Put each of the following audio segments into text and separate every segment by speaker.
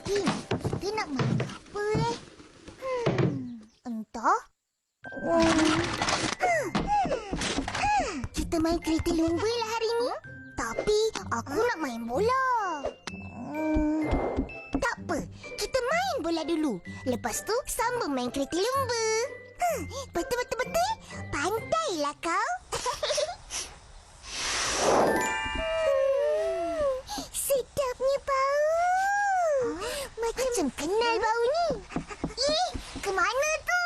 Speaker 1: Tin, kita nak main apa Entah. Kita main kereta lumba lah hari ni. Tapi aku nak main bola. Tak apa, kita main bola dulu. Lepas tu sambung main kereta lumba. Betul. Pandailah kau. Sedapnya bau. Macam kenal bau ni. Ke mana tu?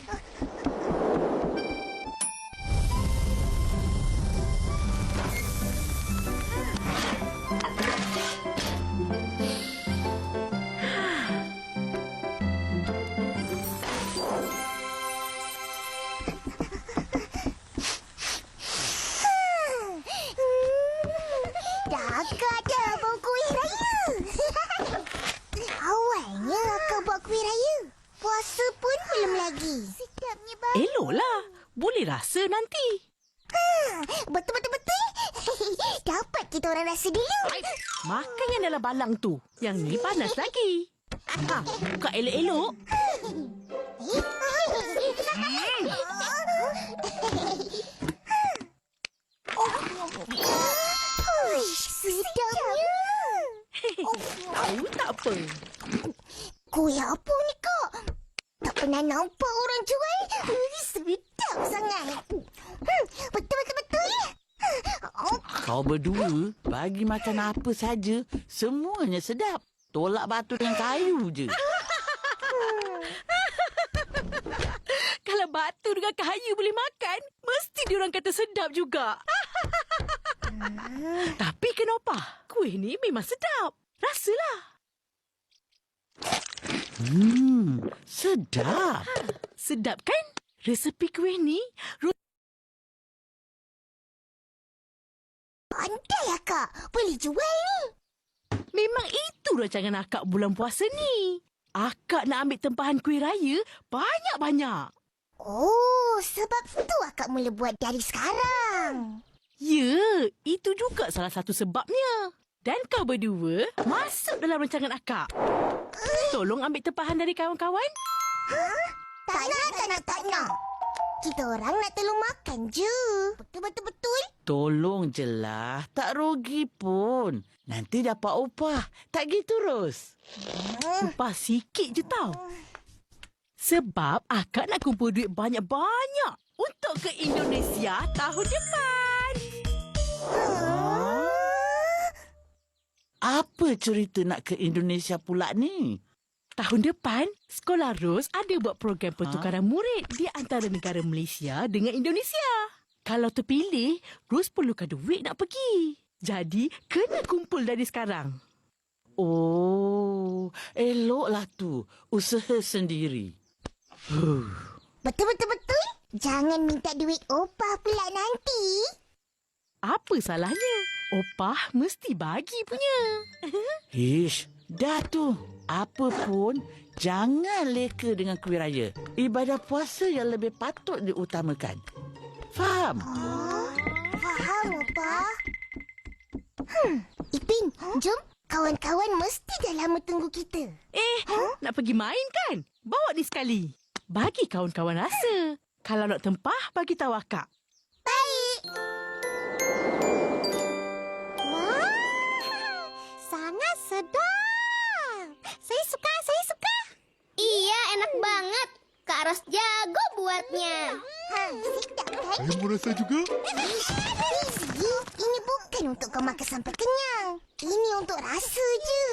Speaker 1: Dah dah bau kuih raya. Awalnya akak buat kuih raya. Puasa pun belum lagi. Sedapnya bau.
Speaker 2: Eloklah. Boleh rasa nanti.
Speaker 1: Betul. Dapat kita orang rasa dulu.
Speaker 2: Makan yang dalam balang tu. Yang ni panas lagi. Buka elok-elok.
Speaker 1: Sedapnya.
Speaker 2: Tahu tak apa.
Speaker 1: Kuih apa ni kak? Tak pernah nampak orang jual. Sedap sangat. Betul.
Speaker 3: Kau berdua bagi makan apa saja, semuanya sedap. Tolak batu dengan kayu je.
Speaker 2: Kalau batu dengan kayu boleh makan, mesti diorang kata sedap juga. Tapi kenapa? Kuih ni memang sedap. Rasalah.
Speaker 3: Sedap.
Speaker 2: Sedap kan? Resepi kuih ni
Speaker 1: Pandai akak. Boleh jual ni.
Speaker 2: memang itu rancangan akak bulan puasa ni. Akak nak ambil tempahan kuih raya banyak-banyak.
Speaker 1: Oh, sebab tu akak mula buat dari sekarang.
Speaker 2: Ya, itu juga salah satu sebabnya. Dan kau berdua masuk dalam rancangan akak. Tolong ambil tempahan dari kawan-kawan.
Speaker 1: Tak nak. Kita orang nak tolong makan je. Betul.
Speaker 3: Tolong je lah. Tak rugi pun. Nanti dapat upah. Tak gitu, Ros?
Speaker 2: Upah sikit je tau. Sebab akak nak kumpul duit banyak-banyak untuk ke Indonesia tahun depan.
Speaker 3: Apa cerita nak ke Indonesia pula ni?
Speaker 2: Tahun depan, Sekolah Ros ada buat program pertukaran murid di antara negara Malaysia dengan Indonesia. Kalau terpilih, Ros perlukan duit nak pergi. Jadi, kena kumpul dari sekarang.
Speaker 3: Oh, eloklah tu. Usaha sendiri.
Speaker 1: Betul. Jangan minta duit opah pula nanti.
Speaker 2: Apa salahnya? Opah mesti bagi punya.
Speaker 3: Ish, dah tu. Apa pun, jangan leka dengan kuih raya. Ibadah puasa yang lebih patut diutamakan. Faham?
Speaker 1: Faham, opah. Ipin, jom. Kawan-kawan mesti dah lama tunggu kita.
Speaker 2: Nak pergi main kan? Bawa ni sekali. Bagi kawan-kawan rasa. Kalau nak tempah, bagi tahu akak.
Speaker 1: Baik. Wah, sangat sedap. Saya suka.
Speaker 4: Iya, enak banget. Kak Ros jago buatnya.
Speaker 1: Sedap kan?
Speaker 5: Saya mau rasa juga.
Speaker 1: Fizi, ini bukan untuk kau makan sampai kenyang. Ini untuk rasa je.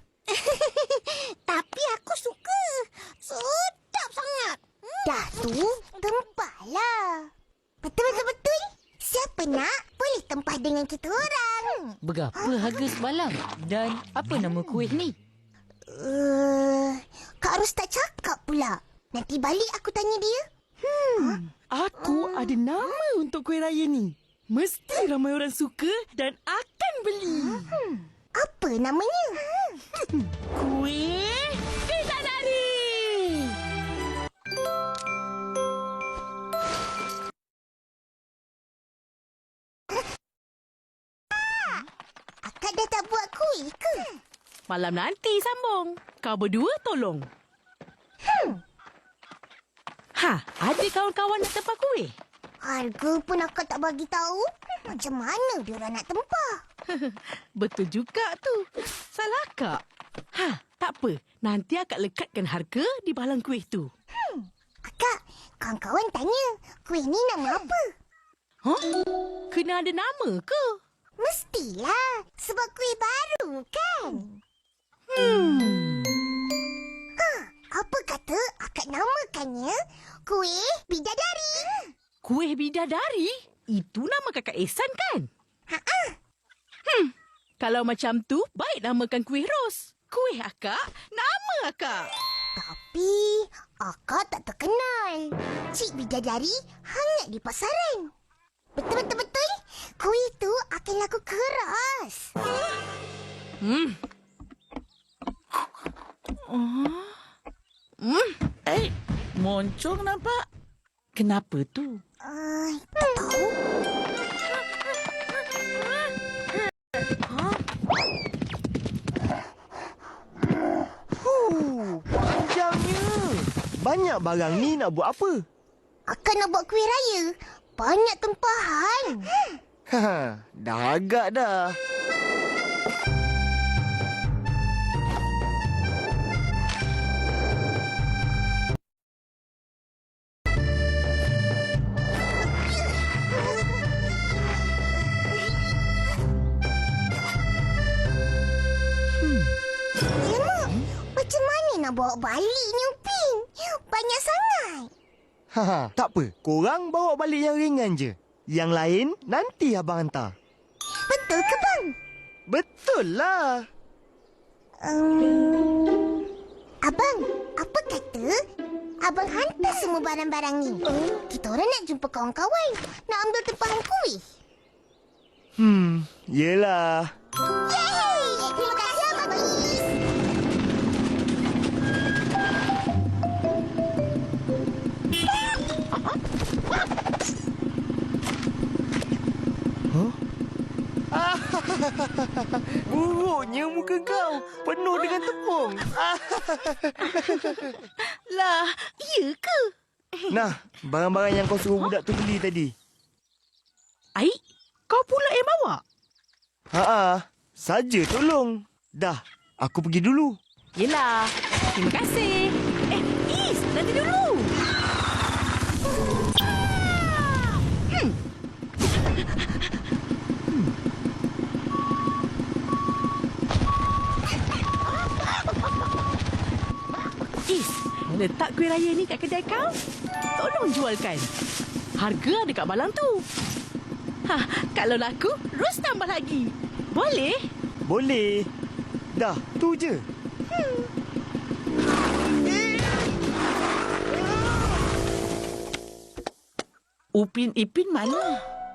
Speaker 1: Tapi aku suka. Sedap sangat. Dah tu, tempahlah. Betul. Siapa nak, boleh tempah dengan kita orang.
Speaker 6: Berapa harga sebalang? Dan apa nama kuih ni?
Speaker 1: Kak Ros tak cakap pula. Nanti balik aku tanya dia.
Speaker 2: Aku ada nama untuk kuih raya ni. Mesti ramai orang suka dan akan beli.
Speaker 1: Apa namanya?
Speaker 2: Kuih Bidadari.
Speaker 1: Akak dah tak buat kuih ke?
Speaker 2: Malam nanti sambung. Kau berdua tolong. Ada kawan-kawan nak tempah kuih?
Speaker 1: Harga pun akak tak bagi tahu. Macam mana diorang nak tempah?
Speaker 2: Betul juga tu. Salah Kak. Tak apa. Nanti akak lekatkan harga di balang kuih tu.
Speaker 1: Akak, kawan-kawan tanya, kuih ni nama apa?
Speaker 2: Kena ada nama ke?
Speaker 1: Mestilah, sebab kuih baru kan? Apa kata akak namakannya kuih bidadari?
Speaker 2: Kuih bidadari? Itu nama kakak Ehsan kan? Kalau macam tu, baik namakan kuih ros. Kuih akak, nama akak.
Speaker 1: Tapi, akak tak terkenal. Cik bidadari hangat di pasaran. Betul-betul, kuih tu akan laku keras.
Speaker 3: Moncong nampak. Kenapa tu?
Speaker 1: Tak tahu.
Speaker 5: Panjangnya. Banyak barang ni nak buat apa?
Speaker 1: Akak nak buat kuih raya. Banyak tempahan.
Speaker 5: Dah agak dah.
Speaker 1: Alamak, macam mana nak bawa balik ni Upin? Banyak sangat.
Speaker 5: Tak apa. Korang bawa balik yang ringan je. Yang lain nanti abang hantar.
Speaker 1: Betul ke bang?
Speaker 5: Betul lah.
Speaker 1: Abang, apa kata abang hantar semua barang-barang ni? Kita orang nak jumpa kawan-kawan. Nak ambil tempahan kuih.
Speaker 5: Yelah.
Speaker 1: Yeay! Terima kasih Abang Is.
Speaker 5: Buruknya muka kau. Penuh dengan tepung.
Speaker 2: Lah, iya ke?
Speaker 5: Nah, barang-barang yang kau suruh budak tu beli tadi.
Speaker 2: Aik, kau pula yang bawa?
Speaker 5: Saja tolong. Dah, aku pergi dulu.
Speaker 2: Yelah, terima kasih. Is, nanti dulu. Is, letak kuih raya ni kat kedai kau. Tolong jualkan. Harga ada kat balang tu. Kalau laku, Ros tambah lagi. Boleh?
Speaker 5: Boleh. Dah, tu je.
Speaker 3: Upin Ipin mana?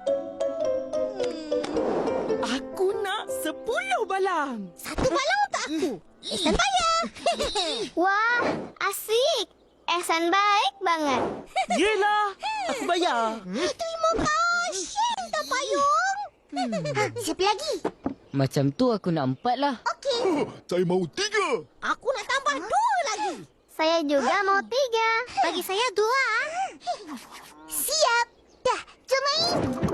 Speaker 2: Aku nak 10 balang.
Speaker 1: Satu balang untuk aku. Ehsan bayar.
Speaker 4: Wah, asik. Ehsan baik banget.
Speaker 3: Yelah, aku bayar.
Speaker 1: Terima kasih, tak payung. Siapa lagi?
Speaker 6: Macam tu aku nak 4 lah.
Speaker 1: Okey.
Speaker 7: Saya mahu 3.
Speaker 1: Aku nak tambah 2 lagi.
Speaker 4: Saya juga mau 3.
Speaker 1: Bagi saya 2. Siap. Dah, jom main.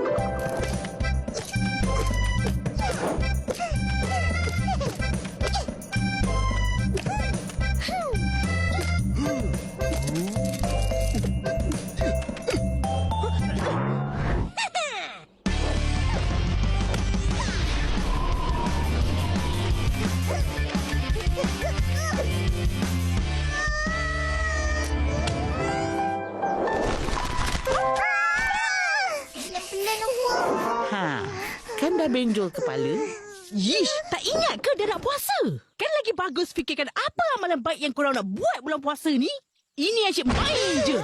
Speaker 3: Kan dah benjol kepala.
Speaker 2: Yish, tak ingat ke dia nak puasa? Kan lagi bagus fikirkan apa amalan baik yang korang nak buat bulan puasa ni? Ini asyik main je.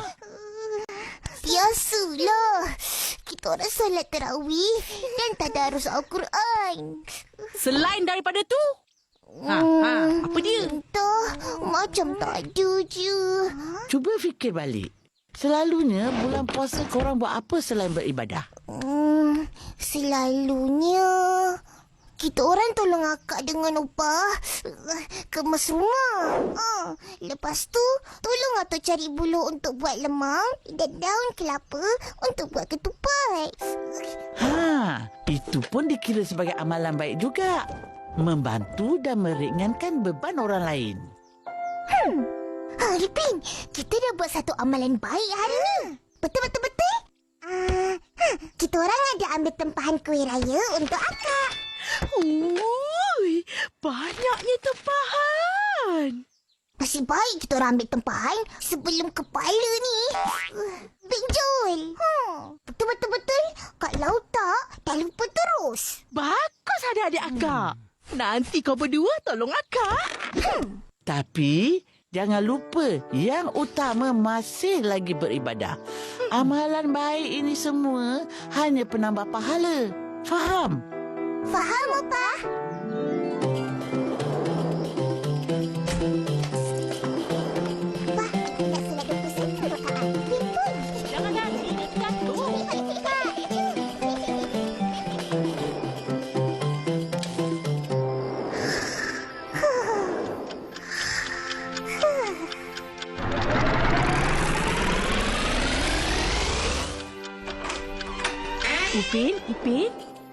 Speaker 1: Biasalah. Kita orang solat tarawih dan tadarus Al-Quran.
Speaker 2: Selain daripada tu, apa dia?
Speaker 1: Entah, macam tak ada je.
Speaker 3: Cuba fikir balik. Selalunya bulan puasa korang buat apa selain beribadah?
Speaker 1: Selalunya kita orang tolong akak dengan upah kemas rumah. Lepas tu, tolong atuk cari buluh untuk buat lemang dan daun kelapa untuk buat ketupat.
Speaker 3: Itu pun dikira sebagai amalan baik juga. Membantu dan meringankan beban orang lain.
Speaker 1: Ipin, kita dah buat satu amalan baik hari ni. Betul? Kita orang ada ambil tempahan kuih raya untuk akak.
Speaker 2: Ui, banyaknya tempahan.
Speaker 1: Nasib baik kita orang ambil tempahan sebelum kepala ni benjol. Betul. Kalau tak, dah lupa terus.
Speaker 2: Bagus adik-adik akak. Nanti kau berdua tolong akak.
Speaker 3: Tapi jangan lupa yang utama masih lagi beribadah. Amalan baik ini semua hanya penambah pahala. Faham?
Speaker 1: Faham, Opah? Opah, nak selada pesan untuk Kak Ipin pun.
Speaker 2: Jangan lari, dia jatuh. Ipin.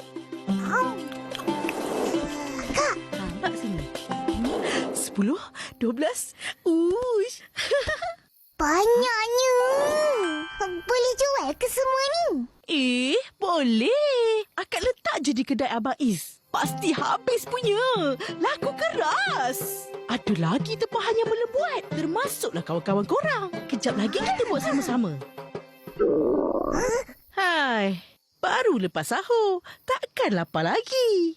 Speaker 1: Kak,
Speaker 2: Nampak sini. 10, 12. Uish.
Speaker 1: banyaknya. Boleh jual ke semua ni?
Speaker 2: Boleh. Akak letak je di kedai Abang Is. Pasti habis punya. Laku keras. Ada lagi tempahan yang belum buat. Termasuklah kawan-kawan korang. Kejap lagi kita buat sama-sama. Hai. Baru lepas sahur. Takkan lapar lagi.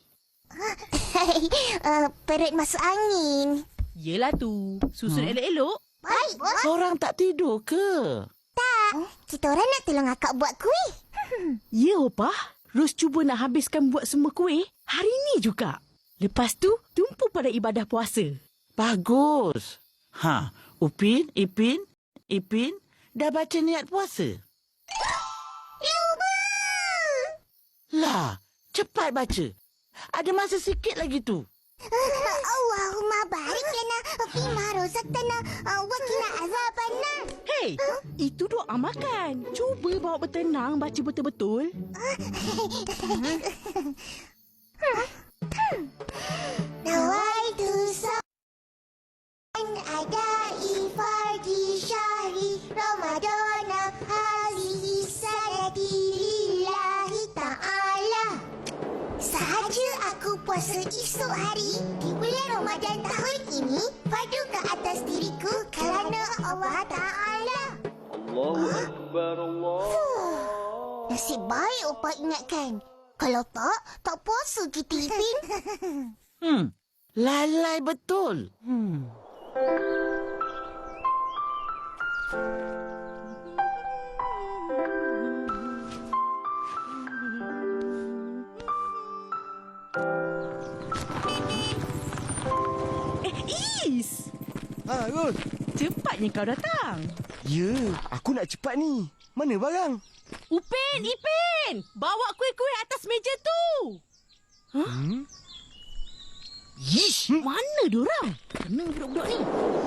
Speaker 1: Perut masuk angin.
Speaker 2: Yelah tu. Susun elok-elok.
Speaker 1: Baik, bos.
Speaker 3: Korang tak tidur ke?
Speaker 1: Kita orang nak tolong akak buat kuih.
Speaker 2: Ya, Opah. Ros cuba nak habiskan buat semua kuih hari ni juga. Lepas tu, tumpu pada ibadah puasa.
Speaker 3: Bagus. Upin, Ipin, dah baca niat puasa? Lah, cepat baca. Ada masa sikit lagi tu.
Speaker 1: Allahumma barik lana fima razaqtana wa qina azabannar.
Speaker 2: Hei, itu doa makan. Cuba bawa bertenang baca betul-betul.
Speaker 1: Nawaitu sa'an adai fardi syahri Ramadana hazihi sanati lillahi ta'ala. Sahaja aku puasa esok hari di bulan Ramadan tahun ini, padu ke atas diriku kerana Allah Ta'ala.
Speaker 7: Allahu Akbar, Allah.
Speaker 1: Nasib baik Opah ingatkan. Kalau tak puasa kita, Ipin.
Speaker 3: Lalai betul.
Speaker 2: Is!
Speaker 5: Ros.
Speaker 2: Cepatnya kau datang.
Speaker 5: Ya, aku nak cepat ni. Mana barang?
Speaker 2: Upin, Ipin! Bawa kuih-kuih atas meja tu.
Speaker 5: Yish!
Speaker 2: Mana diorang? Kena budak-budak ni.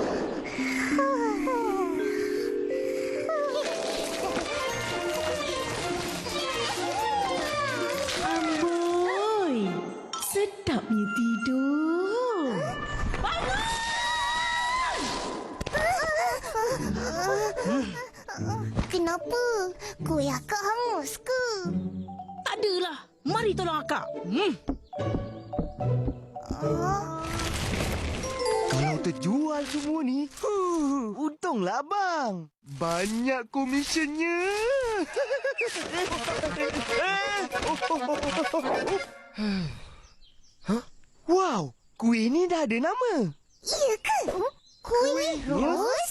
Speaker 2: Amboi! Sedapnya tidur.
Speaker 1: Kenapa? Kuih akak hangus ke?
Speaker 2: Tak adalah. Mari tolong akak.
Speaker 5: Kalau terjual semua ni, untunglah abang. Banyak komisionnya. Wow, kuih ni dah ada nama.
Speaker 1: Iya ke? Kuih ros?